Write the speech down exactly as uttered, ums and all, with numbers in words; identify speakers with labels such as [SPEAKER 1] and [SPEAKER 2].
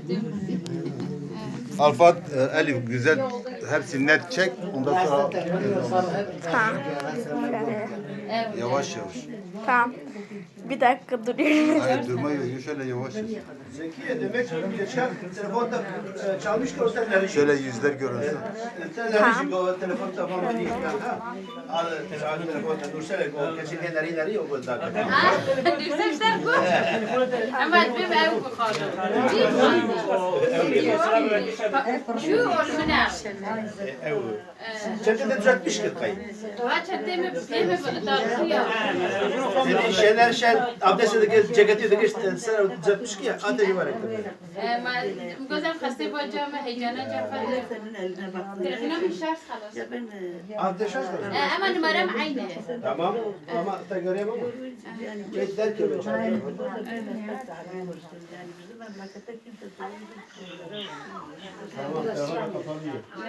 [SPEAKER 1] Alfa, e, Elif güzel hepsini net çek. Ondan sonra
[SPEAKER 2] Tamam. Şöyle.
[SPEAKER 1] yavaş yavaş.
[SPEAKER 2] Tamam. Bir dakika duruyorum.
[SPEAKER 1] Hayır durma yok. Şöyle yavaş yavaş.
[SPEAKER 3] Zekiye demek ki geçen telefonda e, çalmış ki o telleri.
[SPEAKER 1] Şöyle yüzler görünsün.
[SPEAKER 3] Telleri o telefon tamamı değil. Al telefon telefonda Nursel o geçen genleri ileri yok o da.
[SPEAKER 4] Düzleşler bu. Ama bir ev bu kaldı. Şu olmuna.
[SPEAKER 3] Çete de düzeltmiş ki kayıt.
[SPEAKER 4] Doğa çatemi mi dağıtıyor.
[SPEAKER 3] Senin şeyler şey abdestte de ceketi de geçti sen düzeltmiş ki ateşi var.
[SPEAKER 4] ما گفتم خسته با جام هیجانا جعفر تلفنم شارژ خلاص
[SPEAKER 3] Ateş az var.
[SPEAKER 4] اما نمرم عینه
[SPEAKER 3] Tamam ama da göreyim ama. Geçler ki ben çalıyorum.
[SPEAKER 5] Yani bizim memlekette kimse
[SPEAKER 3] Tamam tamam kapanıyor.